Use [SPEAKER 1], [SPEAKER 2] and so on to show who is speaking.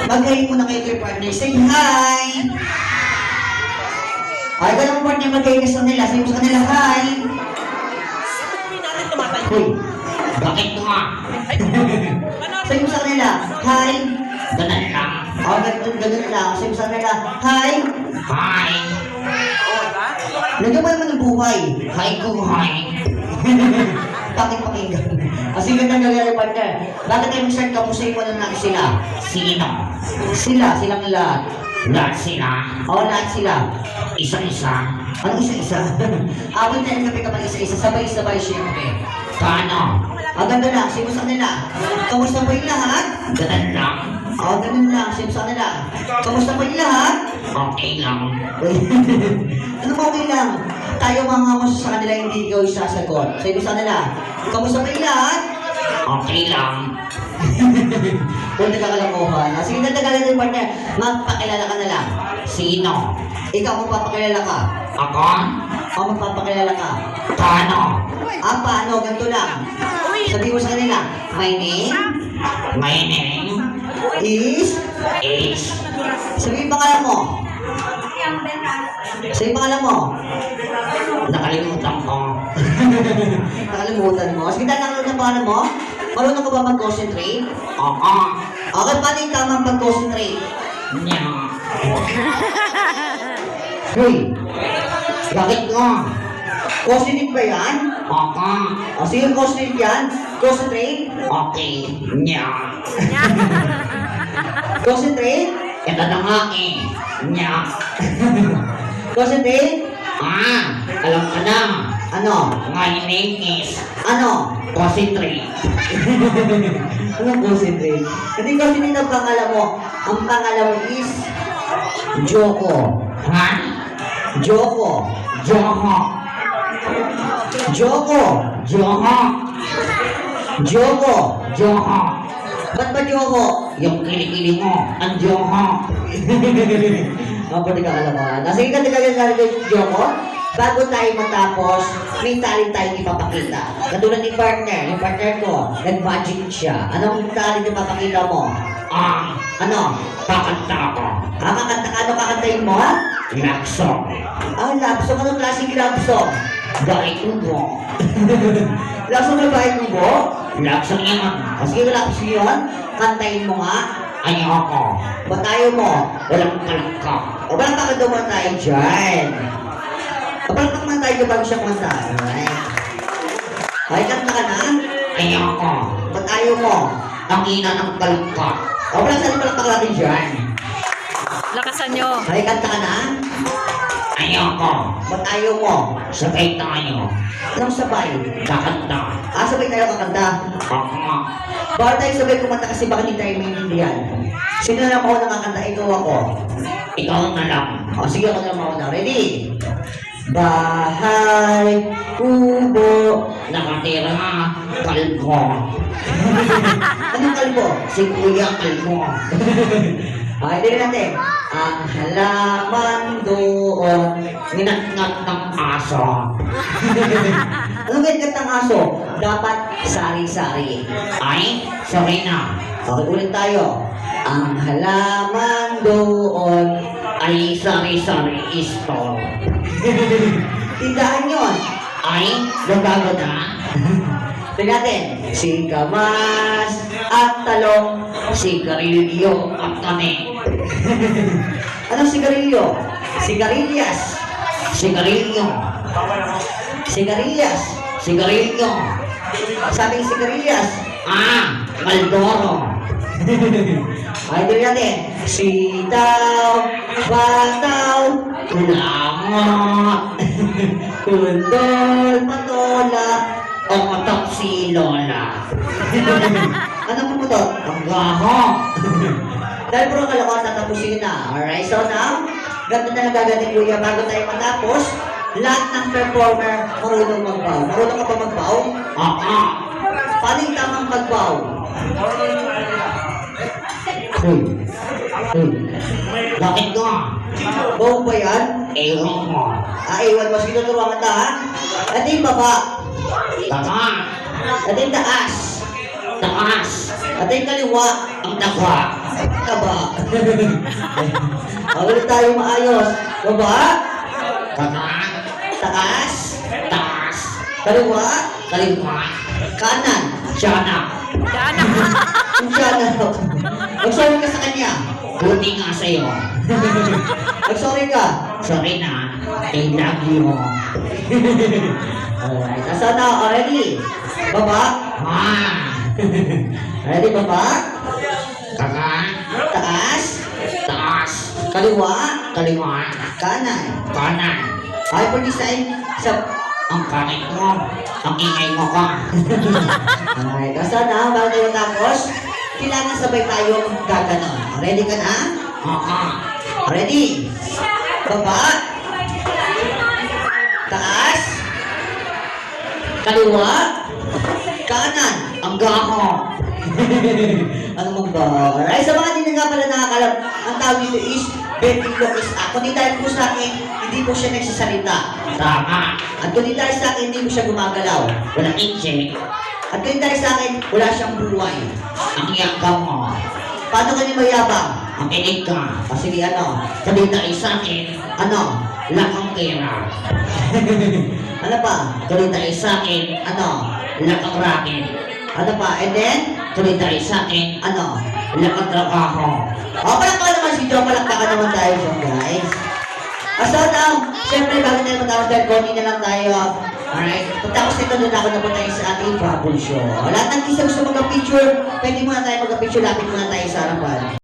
[SPEAKER 1] Mag-hi muna kayo kay partner. Say hi! Ay, ganun mo partner, mag-hi ka sa kanila. Say mo sa kanila, hi! Hoy, bakit nga? Say mo sa kanila, hi! Ganun lang. Oh, ganun lang. Say mo sa kanila, hi! Hi! Nagyan mo naman ng buhay. Hi ko, hi! Bakit pakinggan? Kasi ganda nga partner. Bakit tayo mag-start ka po sa mo na natin sila? Sino? Sila, silang lahat. Lahat sila? Oo, lahat sila. Isa-isa? Anong isa-isa? Awin tayo kape kapag isa-isa. Sabay-sabay siyempre. Paano? Ganda lang. Sino sa kanila? Kamusta po yung lahat? Ganun lang. Ganun lang. Sino sa kanila? Kamusta po yung lahat? Okay lang. Ano ba okay lang? Tayo mga mas sa kanila hindi ikaw isasagot. Sino sa kanila? Kamusta po yung lahat? Okay lang. Kung nagkakalakuhan. Sige, nagkakalakuhan din partner. Magpakilala ka na lang. Sino? Ikaw magpapakilala ka. Ako? O magpapakilala ka. Paano? Paano? Ganito lang. Sabihin mo sa kanila, my name? My name? Is? Sabihin pangalan mo. Sabihin pangalan mo. Nakalimutan ko. Nakalimutan mo? Sige, nakalimutan ang pangalan mo? Marunong ka ba mag-concentrate? Oo. Okay, paano yung tamang pag-concentrate? Nya. Hey, bakit nga? Concentrate ba yan? Oo. Sige, concentrate yan. Concentrate? Okay. Nya. Concentrate? Ito na nga eh. Nya. Concentrate? Alam ka na. Ano? My name is... Ano? Concentrate. Anong concentrate? Hindi concentrate ang pangalan mo. Ang pangalan mo is... Joko. Ha? Joko. Joko. Joko. Joko. Joko. Joko. Ba't ba Joko? Yung kilikili mo. Ang Joko. Pwede ka kalaman. Sige ka kay Joko. Bago tayo matapos, may talent tayong ipapakita. Katulad ni partner, yung partner ko, nag-magic siya. Anong talent ipapakita mo? Ano? Kakanta ako. Kakanta ka? Ano kakantayin mo? Love song. Love song? Anong klaseng love song? Bahay Kubo. Love song na Bahay Kubo? Love song yan. Sige, love song yun. Kantayin mo nga. Ayoko. Batayo mo. Walang kalangka. O walang kakanta mo tayo dyan. Kapag naman tayo bago siya kumanta. Alright. Okay, kanta ka na? Ayoko. Ba't ayaw mo? Ang ina ng kalangka. O wala saan palakpak natin dyan.
[SPEAKER 2] Lakasan nyo.
[SPEAKER 1] Okay, kanta ka na? Ayoko. Ba't ayaw mo? Sabay tayo. Anong sabay? Kakanta. Sabay tayo kakanta? Oo. Bawal tayo sabay kumanta kasi baka hindi tayo maintindihan. Sino na lang ako nakakanta? Ikaw ako. Ikaw na lang. Sige ako na lang ako na. Ready? Bahay Kubo nakatira kalbo. Anong kalbo? Si Kuya Kalbo. Okay, din natin. Ang halaman doon ninatngat ng aso. Anong ninatngat ng aso? Dapat sari-sari. Ay, sorry na. Okay, ulit tayo. Ang halaman doon ay sari-sari store. Tindahan yun. Ay, nagbago na. Tignan natin. Singkamas at talong, sigarilyo at kami. Anong sigarilyo? Sigarilyas. Sigarilyo. Sigarilyas. Sigarilyo. Sabing sigarilyas. Maldoro. Ay, tignan natin. Sitaw, bataw, kulangot, kundol, patola, o matok si Lola. Ano pumutot? Ang gaho. Dahil puro kalokohan, tatapusin na. Alright, so now, ganito na nagagaling kuya bago tayo matapos. Lahat ng performer marunong magbaw. Marunong ka pa magbaw? Paano yung tamang magbaw? Bakit ka? Bawa ba yan? Ewan mo. Ewan mo. Sige, tuturuan kita ha? Ito yung baba. Baba. Ito yung taas. Taas. Ito yung kaliwa. Ang takwa. Kaba. Ulit tayo maayos. Baba. Kanan. Taas. Taas. Kaliwa. Kaliwa. Kanan. Tiyanak.
[SPEAKER 2] Tiyanak.
[SPEAKER 1] Tiyanak. Mag-sorry ka sa kanya. Buti nga sa'yo. Mag-sorry ka. Sorry na. I love you. Alright. Asa na? Ready? Baba. Ready, baba? Kanan. Taas. Taas. Kaliwa. Kaliwa. Kanan. Kanan. Hyper-design sa... Ang kanin mo. Ang ingay mo ka. Alright. Asa na? Bago tayo tapos, kailangan sabay tayo gaganon. Ready ka na? Ready? Baba. Taas. Kaliwa. Kanan. Ang gaho. Ano mong ba? Alright, sa mga hindi na nga pala nakakalam, ang tawag dito is ventriloquist act. Kundi dahil po sa akin, hindi po siya nagsasalita. Tama. At kundi dahil sa akin, hindi po siya gumagalaw. Walang inche. At kundi dahil sa akin, wala siyang buhay. Ang yakam mo. Paano ka niya mayabang? Ang inig ka. O sige, ano? Kundi dahil sa akin, ano? Lakang pera. Ano pa? Kundi dahil sa akin, ano? Lakang racket. Ano pa? And then, tuloy tayo sa akin, ano, lakang trabaho. O, palakpakan naman si Joe, palakpakan naman tayo siya, guys. So now, syempre, bago tayo matapos dahil konti na lang tayo. Alright? Pagtapos nito, doon ako na po tayo sa ating bubble show. Lahat ng kisa gusto mag-picture, pwede muna tayo mag-picture, lapit muna tayo sa harapan.